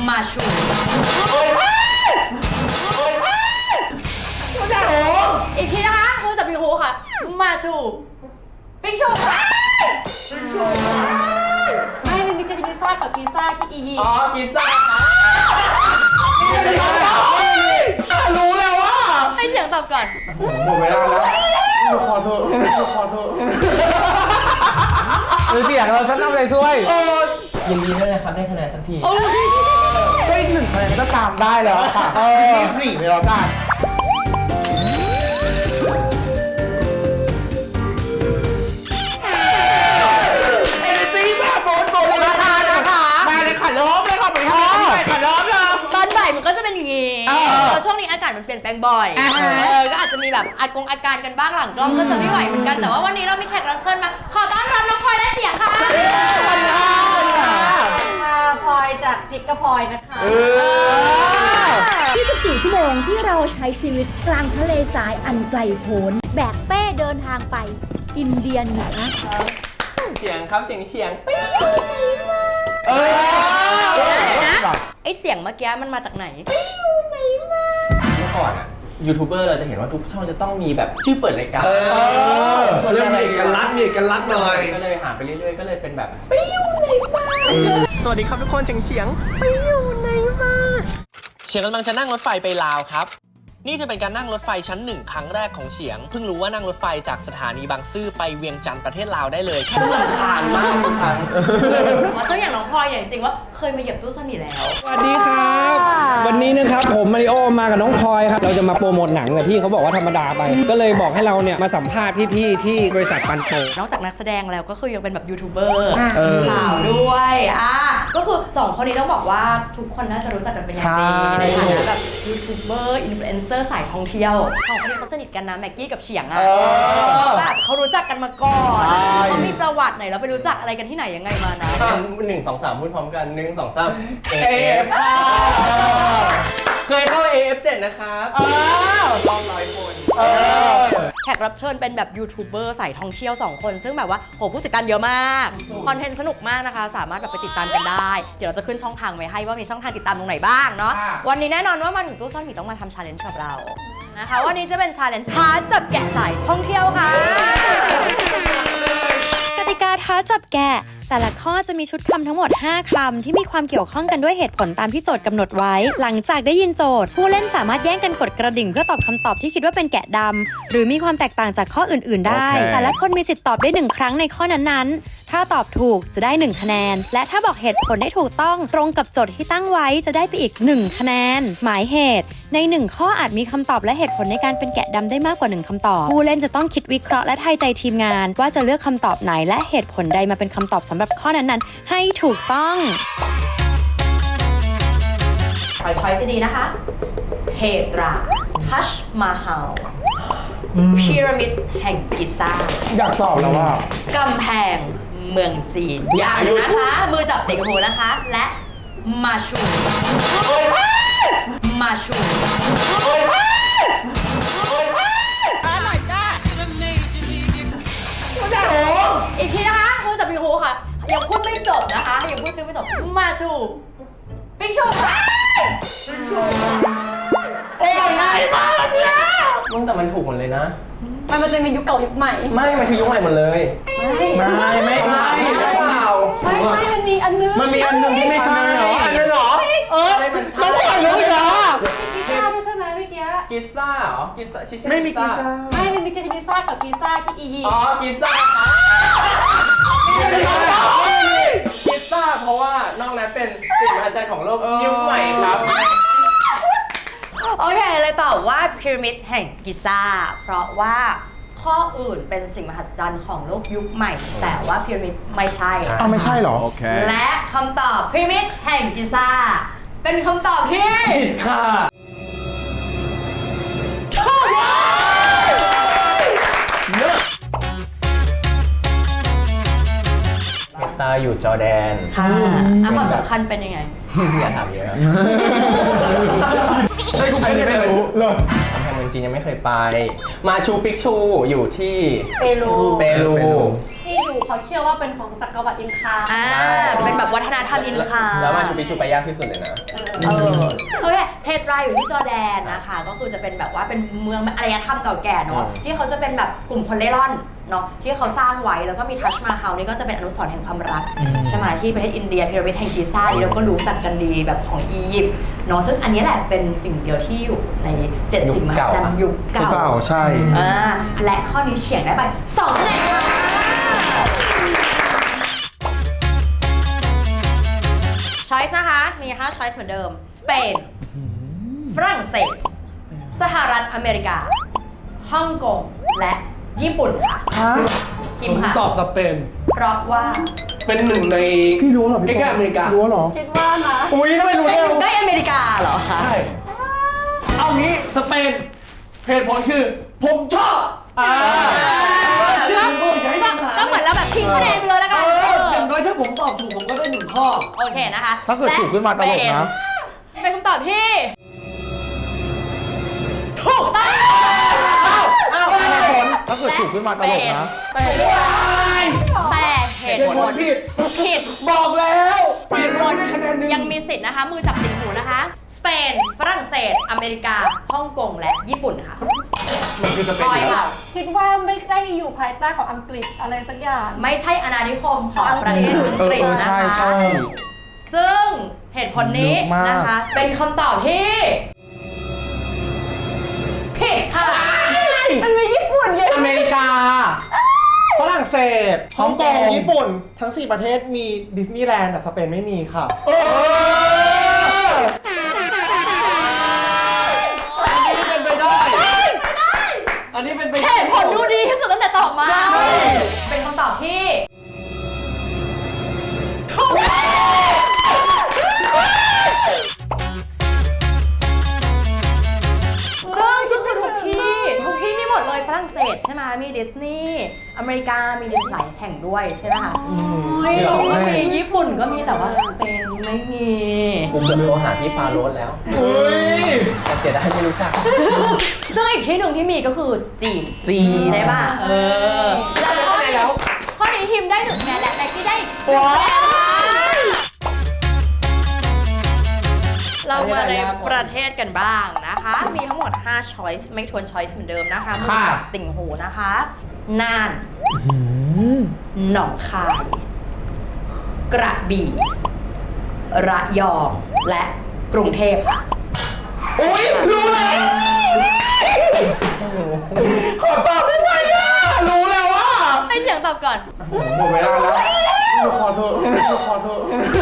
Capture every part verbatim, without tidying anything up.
มาชูอีกทีนะคะมือจับปิงฮูค่ะมาชูปิงชูไม่มันมีเชนิซ่ากับกีซ่าที่อีอ๋อกีซ่ารู้แล้วว่าให้เสียงตอบก่อนหมดเวลาแล้วดูขอเถอะดูขอเถอะดูเสียงเราฉันทำอะไรช่วยยินดีด้วยนะครับได้คะแนนสักทีก็อีกหนึ่งคะแนนก็ตามได้แล้วค่ะรีบหนีไปแล้วกันเอเนตี้แบบโบนโบนราคานะคะมาเลยค่ะล้อมเลยค่ะไปค่ะไปค่ะล้อมเลยตอนบ่ายมันก็จะเป็นอย่างงี้เพราะช่วงนี้อากาศมันเปลี่ยนแปลงบ่อยเออก็อาจจะมีแบบอากงอาการกันบ้างหลังกล้องก็จะไม่ไหวเหมือนกันแต่ว่าวันนี้เรามีแขกรับเชิญมาขอต้อนรับน้องพลอยและเฉียงค่ะสวัสดีค่ะสวัสดีค่ะมาพลอยจากพิกกะพลอยนะคะยี่สิบสี่ชั่วโมงที่เราใช้ชีวิตกลางทะเลทรายอันไกลโพ้นแบกเป้เดินทางไปอินเดียเหนือเสียงครับเสียงเสียงเออเดี๋ยวนะเดี๋ยวนะไอเสียงเมื่อกี้มันมาจากไหนเมื่อก่อนอะยูทูบเบอร์เราจะเห็นว่าทุกช่องจะต้องมีแบบชื่อเปิดรายการเรื่องมีเอกลักษณ์มีเอกลักษณ์หน่อยก็เลยหาไปเรื่อยๆก็เลยเป็นแบบไปอยู่ไหนมาสวัสดีครับทุกคนเฉียงเฉียงไปอยู่ไหนมาเฉียงกำลังจะนั่งรถไฟไปลาวครับนี่จะเป็นการนั่งรถไฟชั้นหนึ่งครั้งแรกของเฉียงเพิ่งรู้ว่านั่งรถไฟจากสถานีบางซื่อไปเวียงจันทร์ประเทศลาวได้เลยแค่ราคามากทุกครั้งว่าเจ้าอย่างน้องพลอยเนี่ยจริงๆว่าเคยมาเหยียบตู้ซ่อนหมีแล้วสวัสดีครับวันนี้นะครับผมมาริโอมากับน้องพลอยครับเราจะมาโปรโมทหนังแต่พี่เขาบอกว่าธรรมดาไปก็เลยบอกให้เราเนี่ยมาสัมภาษณ์พี่ๆที่บริษัทปันโตนอกจากนักแสดงแล้วก็คือยังเป็นแบบยูทูบเบอร์ข่าวด้วยอ่ะก็คือสองคนนี้ต้องบอกว่าทุกคนน่าจะรู้จักกันเป็นอย่างดีในฐานะแบบยูทูบเบอร์อินฟลูเอนเซอร์สายท่องเที่ยวสองคนนี้เขาสนิทกันนะแม็กกี้กับเฉียงอ่ะแบบเขารู้จักกันมาก่อนเขามีประวัติไหนแล้วไปรู้จักอะไรกันที่ไหนยังไงมานะหนึ่งสองสามพูดพร้อมกันหนึ่งสองสามเอฟเคยเข้า เอ เอฟ เจ็ด นะครับรอบร้อยคนแขกรับเชิญเป็นแบบยูทูบเบอร์สายท่องเที่ยวสองคนซึ่งแบบว่าโหผู้ติดตามเยอะมากคอนเทนต์สนุกมากนะคะสามารถแบบไปติดตามกันได้เดี๋ยวเราจะขึ้นช่องทางไว้ให้ว่ามีช่องทางติดตามตรงไหนบ้างเนาะวันนี้แน่นอนว่ามันถึงตู้ซ่อนหมีต้องมาทำชาเลนจ์กับเรานะคะวันนี้จะเป็นชาเลนจ์ท้าจับแกะสายท่องเที่ยวค่ะกติกาท้าจับแกะแต่ละข้อจะมีชุดคำทั้งหมดห้าคำที่มีความเกี่ยวข้องกันด้วยเหตุผลตามที่โจทย์กำหนดไว้หลังจากได้ยินโจทย์ผู้เล่นสามารถแย่งกันกดกระดิ่งเพื่อตอบคำตอบที่คิดว่าเป็นแกะดำหรือมีความแตกต่างจากข้ออื่นๆได้ okay. แต่ละคนมีสิทธิ์ตอบได้หนึ่งครั้งในข้อนั้นๆถ้าตอบถูกจะได้หนึ่งคะแนนและถ้าบอกเหตุผลได้ถูกต้องตรงกับโจทย์ที่ตั้งไว้จะได้ไปอีกหนึ่งคะแนนหมายเหตุในหนึ่งข้ออาจมีคำตอบและเหตุผลในการเป็นแกะดำได้มากกว่าหนึ่งคำตอบผู้เล่นจะต้องคิดวิเคราะห์และทายใจทีมงานว่าจะเลือกคำตอบไหนและเหตุผลใดมาเป็นคำตอบสำหรับข้อนั้นๆให้ถูกต้องขอช้อยส์ดีนะคะเพตราทัชมาฮาลพีระมิดแห่งกิซ่าอยากตอบแล้วว่ากำแพงเมืองจีนอย่างนะคะมือจับติ่งหูนะคะและมาชูมาชูอีกทีนะคะมือจับติ่งหูค่ะยังพูดไม่จบนะคะยังพูดชื่อไม่จบมาชูปิงชูโอ้ยง่ายมากเนี่ยมึงแต่มันถูกหมดเลยนะมันมันจะมียุคเก่ายุคใหม่ไม่มันคือยุคใหม่หมดเลยไม่ไม่ไม่ไม่หรือเปล่าไม่ไม่มันมีอันนึงมันมีอันนึงที่ไม่ใช่เหรออันนึงเหรอเออมันใช่หรือเปล่ากิซ่าใช่ไหมเมื่อกี้กิซ่าเหรอกิซ่าชิชิไม่มีกิซ่าไม่มันมีเชนิซ่ากับกิซ่าที่อีอ๋อกิซ่ากิซ่าเพราะว่านอกนั้นเป็นสิ่งมหัศจรรย์ของโลกยุคใหม่ครับโอเคเลยตอบว่าพีระมิดแห่งกิซ่าเพราะว่าข้ออื่นเป็นสิ่งมหัศจรรย์ของโลกยุคใหม่แต่ว่าพีระมิดไม่ใช่อ้าวไม่ใช่หรอและคำตอบพีระมิดแห่งกิซ่าเป็นคำตอบที่ผิดค่ะตาอยู่จอร์แดนค่ะความสำคัญเป็นยังไงอย่าถามเยอะใช่คุณไม่รู้เลยกำแพงเมืองจีนยังไม่เคยไปมาชูปิกชูอยู่ที่เปรูเปรูที่อยู่ขเขาเชื่อว่าเป็นของจักรวรรดิอินคาอ่าเป็นแบบวัฒนธรรมอินคาแล้วมาชูปิชูไปยากที่สุดเลยนะเออโอเคเพตราอยู่ที่จอร์แดนนะคะก็คือจะเป็นแบบว่าเป็นเมืองอารยธรรมเก่าแก่เนาะที่เขาจะเป็นแบบกลุ่มคนเล่ร่อนเนาะที่เขาสร้างไว้แล้วก็มีทัชมาฮาลนี่ก็จะเป็นอนุสรณ์แห่งความรักใช่ไหมที่ประเทศอินเดียพีระมิดแห่งกิซ่านี่เราก็รู้จักกันดีแบบของอียิปต์เนาะซึ่งอันนี้แหละเป็นสิ่งเดียวที่อยู่ในเจ็ดสิ่งมหัศจรรย์ยุคเก่าเก่าใช่อ่าและข้อนี้เฉียงได้ไปสองคะแนนค่ะช้อยส์นะคะมีห้าช้อยส์เหมือนเดิมสเปนฝรั่งเศสสหรัฐอเมริกาฮ่องกงและญี่ปุ่นค่ะพิมพ์ค่ะตอบสเปนเพราะว่าเป็นหนึ่งในพี่รู้เหรอใกล้ๆอเมริการู้เหรอคิดว่านะอุ้ยทำไมรู้เป็นเร็วใกล้อเมริกาเหรอคะใช่ เอางี้สเปนเหตุผลคือ ผมชอบอ่าก็ก็เหมือนเราแบบทิ้งคะแนนไปเลยแล้วกันเอเออออย่างน้อยถ้าผมตอบถูกผมก็ได้หนึ่งข้อโอเคนะคะถ้าเกิดถูกขึ้นมาตลกนะและเป็นคำตอบที่ถูกต้องอ้าวเหตุผลถ้าเกิดถูกขึ้นมาตลกนะแต่เหตุผลผิดผิดบอกแล้วสี่คนไม่ได้คะแนนหนึ่งยังมีสิทธิ์นะคะ มือจับติ่งหูนะคะ สเปน ฝรั่งเศส อเมริกา ฮ่องกง และญี่ปุ่นค่ะมันคือสเปพนลอยค่ะคิดว่าไม่ได้อยู่ภายใต้ของอังกฤษอะไรสักอย่างไม่ใช่อาณานิคมของประเทศอังกฤษเออนะใช่คะใช่ซึ่งเหตุผลนี้เยอะมากนะคะ เป็นคำตอบที่ผิดค่ะมันมีญี่ปุ่นเยอะอเมริกา ฝรั่งเศส ฮ่องกง ญี่ปุ่น ทั้ง สี่ ประเทศมีดิสนีย์แลนด์แต่สเปนไม่มีค่ะอันนี้เป็นไปได้ อันนี้เป็นไปเหได้ตุผลดูดีที่สุดตั้งแต่ตอบมา เป็นคำตอบที่ถูกซึ่งก็คือทุกที่ทุกที่มีหมดเลยฝรั่งเศสใช่ไหมมีดิสนีย์อเมริกามีดิสนีย์หลายแห่งด้วยใช่ไหมคะก็มีญี่ปุ่นก็มีแต่ว่าสเปนไม่มีกูเกือบโทรหาพี่ฟาโรสแล้วแต่เสียดายไม่รู้จักซึ่งอีกที่หนึ่งที่มีก็คือจีนจีนใช่ป่ะเออแล้วข้อนี้ข้อนี้ทีมได้หนึ่งคะแนนและแม็กกี้ได้ว้าวเรามาในประเทศกันบ้างนะคะ มีทั้งหมดห้า choice ไม่ทวน choice เหมือนเดิมนะคะมือค่ะจับติ่งหูนะคะน่านหนองคาย กระบี่ระยองและกรุงเทพค่ะอุ้ยรู้แล้วขอตอบได้ไหมอ่ะรู้แล้วว่าให้เสียงตอบก่อนหมดเวลาแล้วดูขอเถอะดูขอเถอะ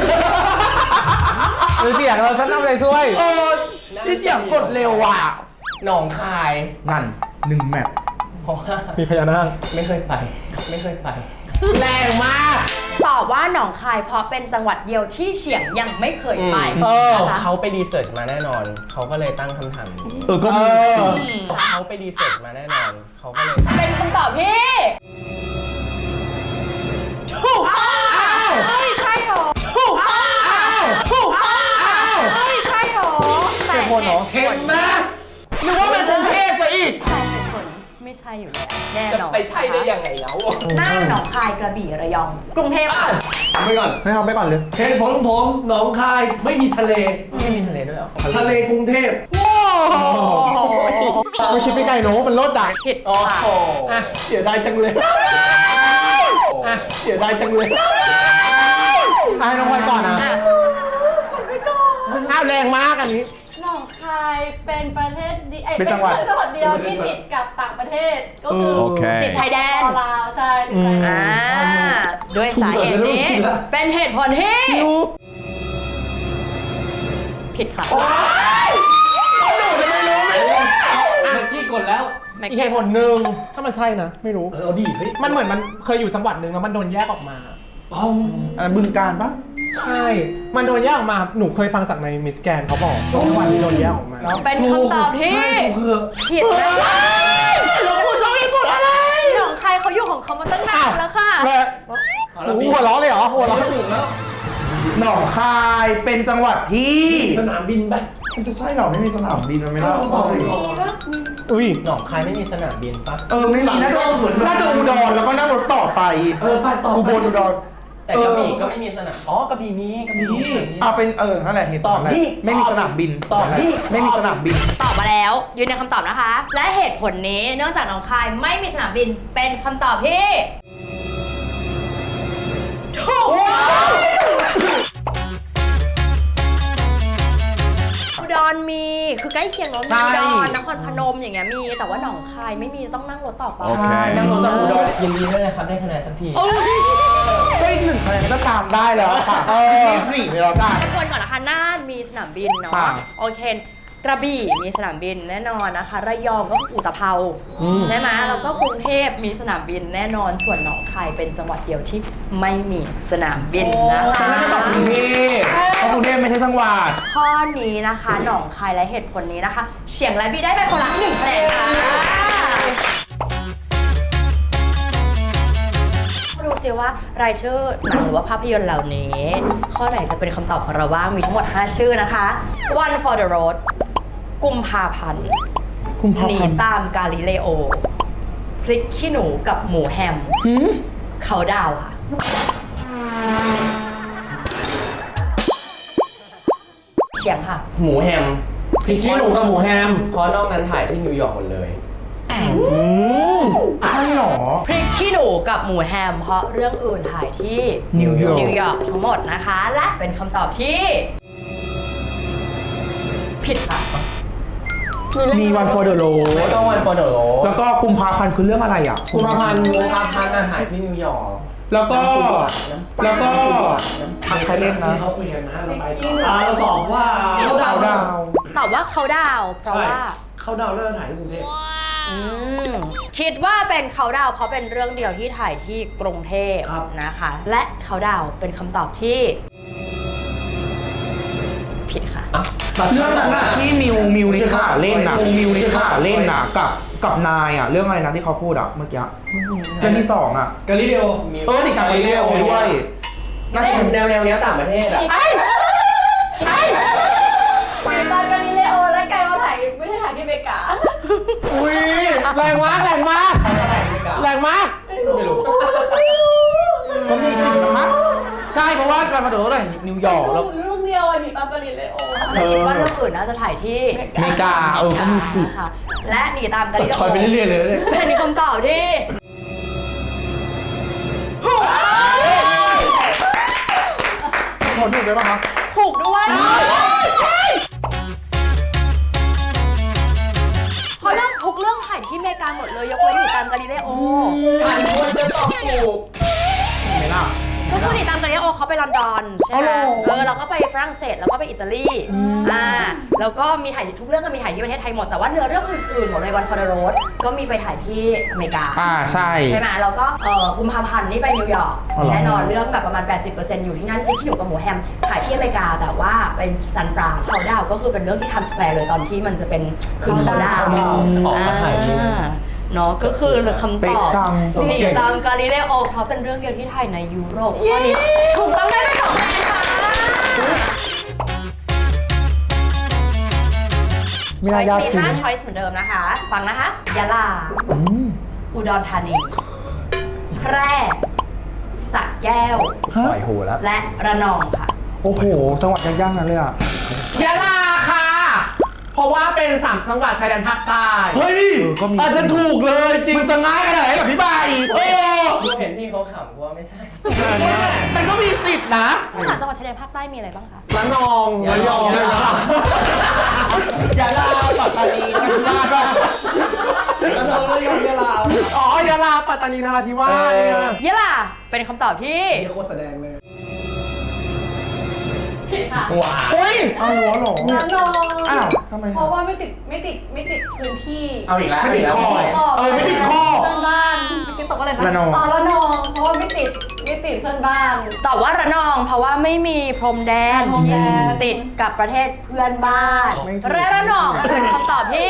ดูเสียงเราสักน้ำเลยช่วยเออที่เสียงกดเร็วว่ะหนองคายนั่นหนึ่งแมตช์เพราะว่ามีพญานาคไม่เคยไป ไม่เคยไปแรงมากตอบว่าหนองคายเพราะเป็นจังหวัดเดียวที่เฉียงยังไม่เคยไปเออนะคะเขาไปรีเสิร์ชมาแน่นอน เขาก็เลยตั้งคำถามนี้เออก็มีเออเขาไปรีเสิร์ชมาแน่นอน เขาก็เลยเป็นคำตอบที่ถูกต้องไม่ใช่หรอถูกต้องถูกต้องไม่ใช่หรอแต่เหตุผลเห็นไหมนึกว่าเป็นกรุงเทพซะอีกแต่เหตุผลไม่ใช่อยู่แล้วแน่จะนอนไปใช่ได้ยังไงแล้วน่านหนองคายกระบี่ระยอง กรุงเทพค่ะทำไปก่อนให้เอาไปก่อนเลยเหตุผลของผมหนองคายไม่มีทะเลไม่มีทะเลด้วยเหรอทะเลกรุงเทพไม่คิดไปไกลโน้มันลดดักผิดโอ้ค่ะโหอ่ะ เสียดายจังเลย อ่ะ เสียดายจังเลยอ่ะให้น้องพลอยก่อนนะอ่ะอ้าวแรงมากอันนี้หนองคายเป็นประเทศดีไอ้เป็นจังหวัดจังหวัดเดียวที่ติดกับต่างประเทศ ก็คือโอเคติดชายแดนลาวใช่ติดชายแดอ่าน ด้วยสาเหตุนี้ถูกเหรอเป็นเหตุผลที่ผิดค่ะอ่ะกี้กดแล้วแม็กอีกกี้เหตุผลหนึ่งถ้ามันใช่นะ ไม่รู้เออเอาดีเฮ้ยมันเหมือนมันเคยอยู่จังหวัดหนึ่งแล้วมันโดนแยกออกมาอ๋ออันนั้นบึงการปะใช่ มันโดนแยกออกมา หนูเคยฟังจากในมิสแกนเขาบอกว่าจังหวัดที่โดนแยกออกมาเป็นคำตอบที่ไม่ถูกคือผิดนะคะแล้วคุณจะมีผลอะไรหนองคายเขาอยู่ของเขามาตั้งนานแล้วค่ะแล้วหนูหัวเราะเลยเหรอหัวเราะถูกแล้วหนองคายเป็นจังหวัดที่สนามบินไปมันจะใช่หรอไม่มีสนามบินมันไม่ได้อุ้ยหนองคายไม่มีสนามบินปะเออไม่มีน่าจะน่าจะอุดรแล้วก็นั่งรถต่อไปเออไปต่ออุบลอุดรแต่กระบี่ก็ไม่มีสนามอ๋อกระบี่มีกระบี่มีเอาเป็นเออนั่นแหละเหตุผลตอบดิไม่มีสนามบินตอบดิไม่มีสนามบินตอบมาแล้วยืนในคำตอบนะคะ และเหตุผลนี้เนื่องจากหนองคายไม่มีสนามบินเป็นคำตอบที่ถูกอุดรมีคือใกล้เคียงเนาะมีอุดรนครพนมอย่างเงี้ยมีแต่ว่าหนองคายไม่มีต้องนั่งรถต่อไปโอเคนั่งรถจากอุดรยินดีด้วยนะครับได้คะแนนสักทีก็อีกหนึ่งคะแนนก็ตามได้แล้วค่ะรีบหนีไปแล้วกันทุกคนก่อนนะคะน่านมีสนามบินเนาะค่ะโอเคกระบี่มีสนามบินแน่นอนนะคะระยองก็คืออุตภเปาใช่ไหมแล้วก็กรุงเทพมีสนามบินแน่นอนส่วนหนองคายเป็นจังหวัดเดียวที่ไม่มีสนามบินนะคะฉันไม่ได้ตอบกรุงเทพเพราะกรุงเทพไม่ใช่จังหวัดข้อนี้นะคะหนองคายและเหตุผลนี้นะคะเฉียงและบีได้ไปคนละหนึ่งคะแนนค่ะมาดูซิว่ารายชื่อหนังหรือว่าภาพยนตร์เหล่านี้ ข้อไหนจะเป็นคำตอบของเราบ้างมีทั้งหมดห้าชื่อนะคะ One for the Road กุมภาพันธ์กุมภาหนีพันธ์ตามกาลิเลโอพริกขี้หนูกับหมูแฮมเขาดาวค่ะเฉียงค่ะหมูแฮมพริกขี้หนูกับหมูแฮมเพราะนอกนั้นถ่ายที่นิวยอร์กหมดเลยอืมใช่หรอพริกขี้หนูกับหมูแฮมเพราะเรื่องอื่นถ่ายที่นิวยอร์กนิวยอร์กทั้งหมดนะคะ และเป็นคำตอบที่ ผิดค่ะมีวัน for the road ไม่ต้องวันฟอร์ดโรแล้วก็กุมภาพันธ์คือเรื่องอะไรอ่ะกุมภาพันธ์กุมภาพันธ์ถ่ายที่นิวยอร์กแล้วก็ แล้วก็ทางใครเล่นนะเขาคุยกันนะเราไปต่ออ่าเราตอบว่าเขาดาวดาวตอบว่าเขาดาวเพราะว่าเขาดาวน์น่าจะถ่ายที่กรุงเทพอืมคิดว่าเป็นเขาดาวเพราะเป็นเรื่องเดียวที่ถ่ายที่กรุงเทพครับนะคะ และเขาดาวเป็นคำตอบที่ ผิดค่ะเรื่องนั้นอะที่มิวมิวนิชาเล่นน่ะมิวนิชาเล่นน่ะกับกับนายอ่ะเรื่องอะไรนะที่เขาพูดอ่ะเมื่อกี้เรื่องที่สองอ่ะกาลิเลโอเออนี่กับไปเรียโอด้วยน่าจะเป็นแนวแนวเนี้ยต่างประเทศอ่ะมีตอนกาลิเลโอและกลายมาถ่ายไม่ใช่ถ่ายที่อเมริกาอุ้ยแรงมากแรงมากแรงมากไม่รู้ก็มีสิทธิ์นะใช่เพราะว่าการมาโดดอะไรนิวยอร์กแล้วเรื่องเดียวอันนี้ตอนกาลิเลโอแต่คิดว่าเรื่องอื่นน่าจะถ่ายที่อเมริกาเออก็มีสิทธิ์ค่ะ และหนีตามกันถอยไปเรื่อยๆเลยนะเนี่ยเป็นคำตอบที่ขอถูกได้ป่ะคะถูกด้วยเพราะเรื่องทุกเรื่องถ่ายที่อเมริกาหมดเลยยกเว้นหนีตามกาลิเลโอถ่ายควรจะตอบถูกไม่ล่ะก็คือหนีตามกาลิเลโอเขาไปลอนดอนใช่ไหมเออเราก็ไปฝรั่งเศสแล้วก็ไปอิตาลีอ่าแล้วก็มีถ่ายทุกเรื่องก็มีถ่ายที่ประเทศไทยหมดแต่ว่าเนื้อเรื่องอื่นๆหมดเลยวันฟอร์โรสก็มีไปถ่ายที่อเมริกาอ่าใช่ใช่ไหมแล้วก็เอ่อกุมภาพันธ์นี่ไปนิวยอร์กอ๋อเหรอแน่นอนเรื่องแบบประมาณ แปดสิบเปอร์เซ็นต์ อยู่ที่นั่นที่ขี้หนูกับหมูแฮมถ่ายที่อเมริกาแต่ว่าเป็นซันฟรานเขาดาวก็คือเป็นเรื่องที่ทำสแควร์เลยตอนที่มันจะเป็นคืนเขาดาวออกมาถ่ายที่อ่าเนาะก็คือคำตเป๊ะอบจังหนีตามกาลิเลโอเพราะเป็นเรื่องเดียวที่ถ่ายในยุโรปข้อนี้ถูกต้องได้ไปสองคะแนนค่ะไม่น่ายากมีจริงห้าช้อยส์เหมือนเดิมนะคะ ฟังนะคะยะลาอืมอุดรธานี แพร่สระแก้วฮะปล่อยหูแล้วและระนองค่ะโอ้โหจังหวัดยากๆนั้นเลยอ่ะยะลาค่ะ เพราะว่าเป็นสามจังหวัดชายแดนภาคใต้เฮ้ยอาจจะถูกเลยจริงมันจะง่ายขนาดไหนกับพี่ใบเออเห็นพี่เขาขำว่าไม่ใช่มันก็มีสิทธิ์นะสามจังหวัดชายแดนภาคใต้มีอะไรบ้างคะระนองระยองยะลายะลาปัตตานีนราธิวาสแล้วเราเรื่องยะลาอ๋อยะลาปัตตานีนราธิวาสเนี่ยยะลาเป็นคำตอบที่โคตรแสดงเลยผิดค่ะว้าอุ้ยอ้าวเหรอระนองอ้าวทำไมเพราะว่าไม่ติดไม่ติดไม่ติดพื้นที่เอาอีกแล้วไม่ติดข้อข้อเออไม่ติดข้อเพื่อนบ้านเมื่อกี้ตกอะไรนะระนองอ๋อระนองเพราะว่าไม่ติดไม่ติดเพื่อนบ้านตอบว่าระนองเพราะว่าไม่มีพรมแดนพรมที่แดนติดกับประเทศเพื่อนบ้านไม่ถูกและระนองเป็นคำตอบที่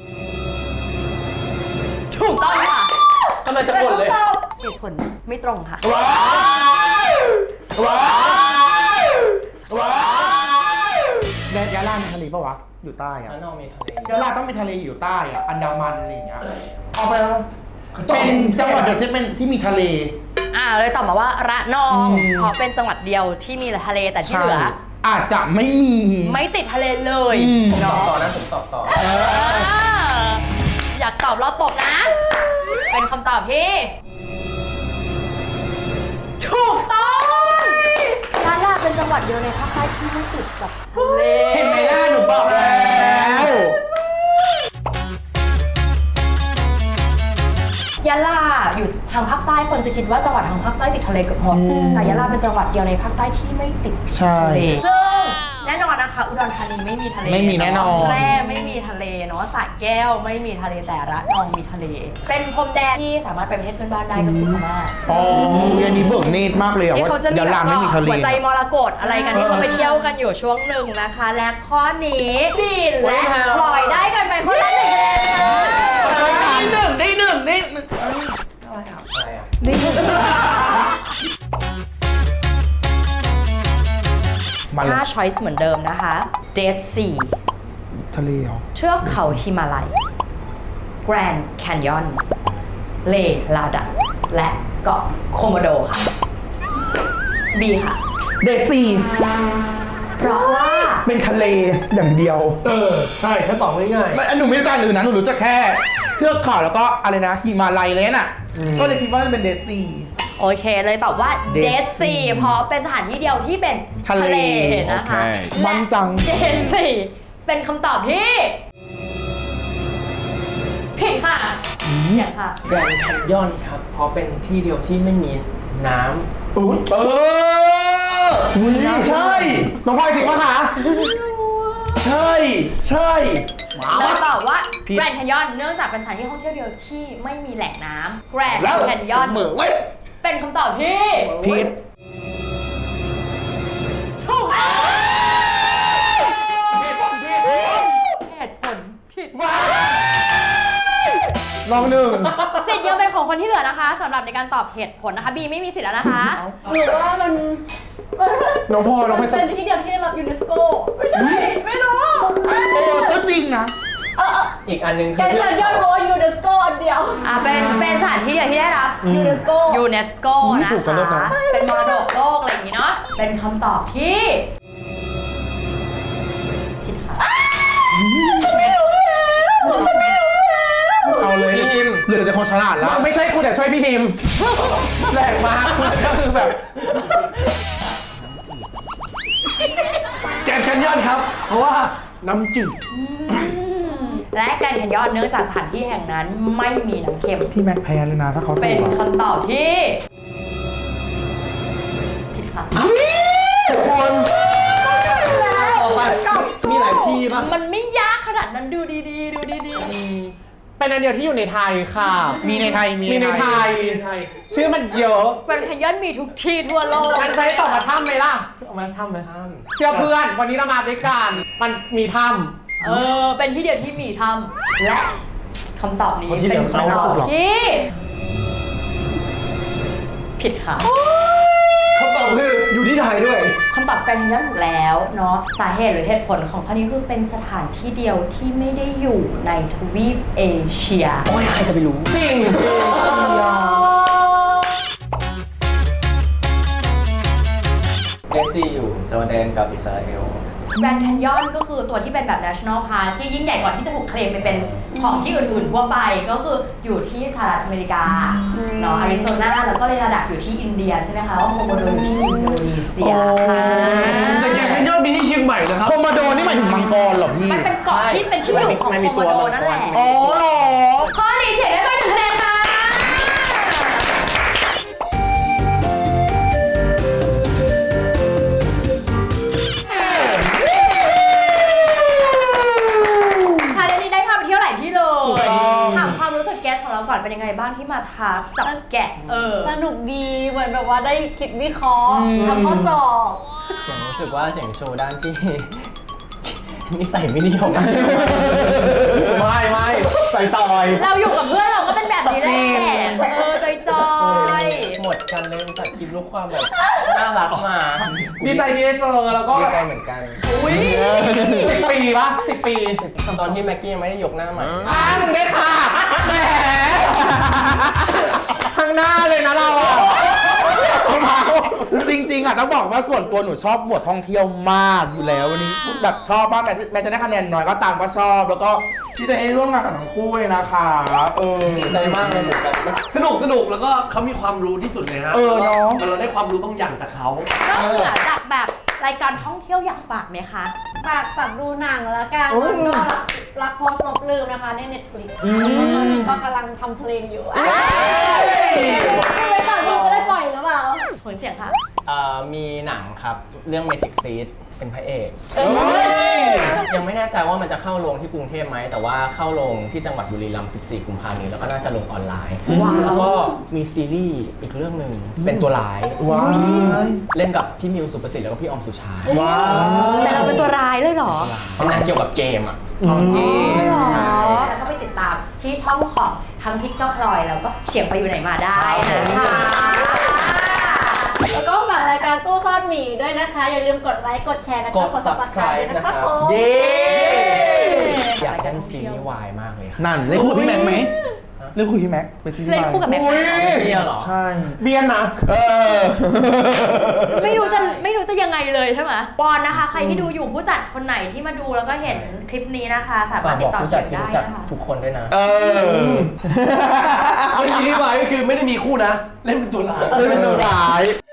ถูกต้องค่ะทำไมจะปวดเลยเหตุผลไม่ตรงค่ะว้ายว้ายว้ายยะลามีทะเลปะวะอยู่ใต้อะแล้วนองมีทะเลยะลาต้องมีทะเลอยู่ใต้อะอันดามันอะไรอย่างเงี้ยเอาไปแล้วเป็นจังหวัดเดียวที่เป็นที่มีทะเลอ่าเลยตอบมาว่าระนองอืมเพราะเป็นจังหวัดเดียวที่มีทะเลแต่ที่เหลือใช่อาจจะไม่มีไม่ติดทะเลเลยอืมตอบเนาะต่อนะผมตอบต่อเอออยากตอบรอบตกนะ เป็นคำตอบที่ถูกต้องยะลาเป็นจังหวัดเดียวในภาคใต้ที่ไม่ติดกับทะเลเห็นไหมล่ะหนูบอกแล้วยะลาอยู่ทางภาคใต้คนจะคิดว่าจังหวัดทางภาคใต้ติดทะเลเกือบหมดแต่ยะลาเป็นจังหวัดเดียวในภาคใต้ที่ไม่ติดใช่ทะเลซึ่งแน่นอนนะคะอุดรธานีไม่มีทะเลไม่มีแน่นอนแพร่ไม่มีทะเลเนาะสระแก้วไม่มีทะเลแต่ระนองมีทะเล เป็นพรมแดนที่สามารถไปประเทศเพื่อนบ้านได้ก็คือพม่าอ๋ออันนี้เบิกเนตรมากเลยอะที่ว่าเขาจะมียะลาไม่มีทะเลหัวใจมรกตอะไรกันที่เขาไปเที่ยวกันอยู่ช่วงหนึ่งนะคะ และข้อนี้บินและปล่อยได้กันไปคนละหนึ่งคะแนนค่ะได้หนึ่งได้หนึ่งได้หนึ่งอะไรอ่ะมาเลยห้า choice เหมือนเดิมนะคะ Dead Sea ทะเลเหรอเทือกเขาฮิมาลัย Grand Canyon เลลาดันและเกาะโคโมโดค่ะ B ค่ะเดซีเพราะว่าเป็นทะเลอย่างเดียวเออ ใช่ถ้าตอบง่ายไม่หนูไม่รู้จักอื่นนะหนูรู้จักแค่เทือกเขาแล้วก็อะไรนะหิมาลัยเลยน่ะ ก็เลยคิดว่ามันเป็นเดซีโอเคเลยตอบว่า Dead Dead Sea Sea เพราะเป็นสถานที่เดียวที่เป็นทะเลนะคะมันจังและ Dead Sea เป็นคำตอบที่ผิดค่ะผิดค่ะๆแกรนด์แคนยอนครับ เพราะเป็นที่เดียวที่ไม่มีน้อุ๊ยเอออุ๊ยใช่น้องพลอยจริงปะคะใช่ ใช่แล้วตอบว่าผิด Grand Canyon เนื่องจากเป็นสถานที่ท่องเที่ยวเดียวที่ไม่มีแหล่งน้ำ Grand แล้ว Canyon เหมือเว้ยเป็นคำตอบที่ผิดถูกต้องเหตุผลผิดลองหนึ่งสิทธิ์ยังเป็นของคนที่เหลือนะคะสำหรับในการตอบเหตุผลนะคะ บีไม่มีสิทธิ์แล้วนะคะหรือว่ามันน้องพลอยน้องพลอยจะเป็นที่เดียวที่ได้รับยูเนสโกไม่ใช่ ไม่รู้เออก็จริงนะเออเออำอีกอันหนึงแกคืนอแคนยอนเพราะว่ายูเนสโกอันเดียวอ่าเป็นเป็นสถานที่เดียวที่ได้รับยูเนสโกยูเนสโกอุ๊ยนะถูกกันเลยคะนะเป็นมรดกโลกอะไรอย่างนี้เนาะเป็นคำตอบที่ผิดค่ะเอาเลยเหลือแต่คนฉลาดแล้วไม่ใช่กูแต่ช่วยพี่ทีมแรงมากก็คือแบบแกรนด์แคนยอนครับ เพราะว่าน้ำจืดและแกรนด์แคนยอนเนื่องจากสถานที่แห่งนั้นไม่มีน้ำเค็มพี่แม็กแพ้เลยนะถ้าเขาถูเป็นกอะคำตอบที่ผิดค่ะคนต่อไปมีหลายที่ปะมันไม่ยากขนาดนั้นดูดีๆ ดูดีเป็นอันเดียวที่อยู่ในไทยค่ะมีในไทยมีในไทย ชื่อมันเยอะๆแกรนด์แคนยอนมีทุกที่ทั่วโลกงั้นใช้ตอบมาถ้ำไหมล่ะเอามาถ้ำไหมถ้เชื่อเพื่อน วันนี้เรามาด้วยกัน มันมีถ้เออ เป็นที่เดียวที่มีทำและคำตอบนี้คนที่เหลืเป็นอคำตอบไม่ถูกหรอกที่ผิดค่ะคำตอบคืออยู่ที่ไทยด้วยคำตอบแกรนด์แคนยอนถูกแล้วเนาะสาเหตุหรือเหตุผลของข้อนี้คือเป็นสถานที่เดียวที่ไม่ได้อยู่ในทวีปเอเชียโอ้ยใครจะไปรู้ำจริงเดซี่อยู่จอร์แดนกับอิสราเอลแกรนด์แคนยอนก็คือตัวที่เป็นแบบ national park ที่ยิ่งใหญ่กว่าที่จะถูกเคลมไปเป็นของที่อื่นๆทั่วไปก็คืออยู่ที่สหรัฐอเมริกาเนาะอาริโซนาแล้วก็เรลาดักอยู่ที่อินเดียใช่ไหมคะว่าโคโมโดอยู่ที่อินโดนีเซียค่ะแต่แกรนด์แคนยอนมีที่เชียงใหม่นะครับโคโมโดนี่หมายถึงมังกรเหรอพี่มันเป็นเกาะที่เป็นที่อยู่ของโคโมโดนั่นแหละอ๋อเหรอข้อนี้เฉียดได้ไปหนึ่งคะแนนค่ะชาเลนจ์นี้ได้พาไปเที่ยวหลายที่เลย ถามความรู้สึกแกสของเราก่อนเป็นยังไงบ้างที่มาทักจับแกะ เออสนุกดีเหมือนแบบว่าได้คิดวิเคราะห์ทำข้อสอบเสียงรู้สึกว่าเสียงโชว์ด้านที่ นิสัยไม่ดีออกมาไม่ไม่ใส่จอยเราอยู่กับเพื่อนเราก็เป็นแบบนี้แหละเออจอยจอยๆหมดกันเลยอุตส่าห์คิดรูปความแบบน่ารักมาดีใจที่ได้เจอแล้วก็ดีใจเหมือนกันอุ้ยสิบปีปะสิบปีตอนที่แม็กกี้ยังไม่ได้ยกหน้าใหม่อ้ามึงได้ค่ะแหมข้างหน้าเลยนะเราอ่ะจริงๆอ่ะต้องบอกว่าส่วนตัวหนูชอบหมวดท่องเที่ยวมากอยู่แล้ววันนี้แบบชอบมากแม้แม้จะได้คะแนนน้อยก็ตามก็ชอบ แล้วก็ที่จะให้ร่วมงานกับทั้งคู่เลยนะคะเออใจมากเลยเหมือนกันสนุกสนุกแล้วก็เขามีความรู้ที่สุดเลยฮะเออเนอะเราได้ความรู้บางอย่างจากเขานอกเหนือจากแบบรายการท่องเที่ยวอยากฝากไหมคะฝากฝากดูหนังแล้วกันแล้วก็รักโพสต์ลบลืมนะคะใน Netflix ตอนนี้ก็กำลังทำเพลงอยู่ไม่ก่อนจะได้ปล่อยหรือเปล่าผลเสียงค่ะเอ่อมีหนังครับ เรื่อง Magic Seed เป็นพระเอก ยังไม่แน่ใจว่ามันจะเข้าโรงที่กรุงเทพไหม แต่ว่าเข้าโรงที่จังหวัดบุรีรัมย์สิบสี่ กุมภาพันธ์นี้แล้วก็น่าจะลงออนไลน์ว้าวแล้วก็มีซีรีส์อีกเรื่องหนึ่งเป็นตัวร้ายว้ายเล่นกับพี่มิวสุประสิทธิ์แล้วก็พี่ออมสุชาว้ายแต่เราเป็นตัวร้ายเลยเหรอเป็นหนังเกี่ยวกับเกมอ่ะอ๋อเหรอแล้วก็ไปติดตามที่ช่องของทั้งพิกเกอร์พลอยแล้วก็เฉียงไปอยู่ไหนมาได้นะคะแล้วก็ฝากรายการตู้ซ่อนหมีด้วยนะคะ อย่าลืมกดไลค์กดแชร์แล้วก็กด Subscribe นะนะคครัรับ บผมเย้อยากเล่นซีรีส์วายมากเลยครับนั่นเล่นคู่กับพี่แม็กไหมเล่นคู่กับพี่แม็กเป็นซีรีส์เล่นคู่กับแม็กซ์เที่ยวเหรอใช่เบียนนะเออไม่รู้จะไม่รู้จะยังไงเลยใช่ไหมบอลนะคะ ใครที่ดูอยู่ผู้จัดคนไหนที่มาดูแล้วก็เห็นคลิปนี้นะคะ สาารฝามกถติบดอกต่อผู้เฉีจัยดงที่ได้รู้จักนะคะทุกคนด้วยนะเออเอาจริงๆที่วายก็คือไม่ได้มีคู่นะ เล่นเป็นตัวร้ายเล่นเป็นตัวร้าย